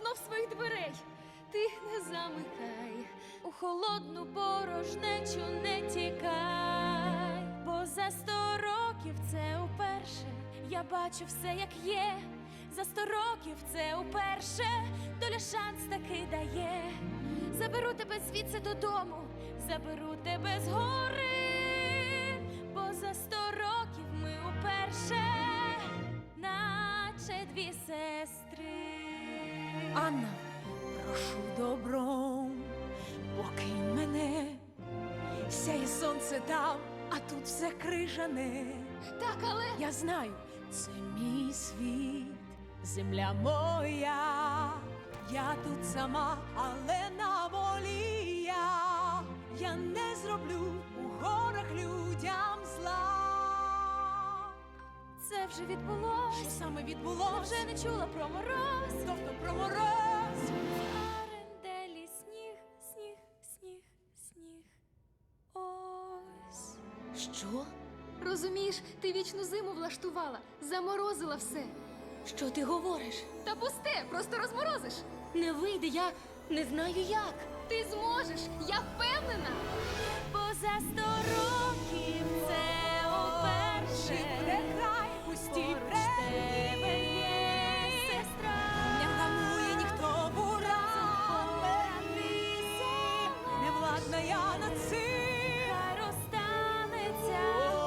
знов своїх дверей. Ти не замикай, у холодну порожнечу не тікай, бо за 100 років це уперше я бачу все, як є. За 100 років це уперше доля шанс таки дає. Заберу тебе звідси додому, заберу тебе з гори, бо за 100 років ми уперше, наче дві сестри. Анна, прошу добром, покинь мене. Сяє сонце там, а тут все крижане. Так, але Я знаю, це мій світ, земля моя. Я тут сама, але на волі я. Я не зроблю у горах людям зла. це вже відбулось. Що саме відбулося? Вже не чула про мороз. Тобто про мороз. Аренделі сніг, сніг, сніг, сніг. Ось. Що? Розумієш, ти вічну зиму влаштувала, заморозила все. Що ти говориш? Та пусте, просто розморозиш. Не вийде, я не знаю як. Ти зможеш, я впевнена. Бо за 100 років це уперше. Край, пусті тебе є сестра. Не вгамує ніхто буран. Не владна я над цим. Хай розстанеться.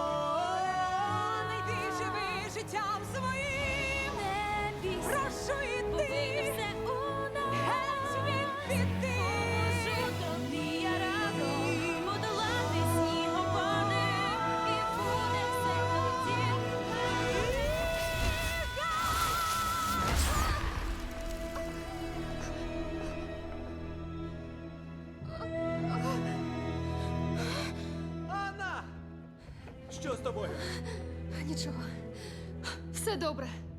Не йди, живи життям своїм. Не бійся, Прошу бо вийде йти. все у нас. Геть від біди. Поможу тобі я разом подолати снігопади. І буде все тоді. Анна! Що з тобою? Нічого, все добре.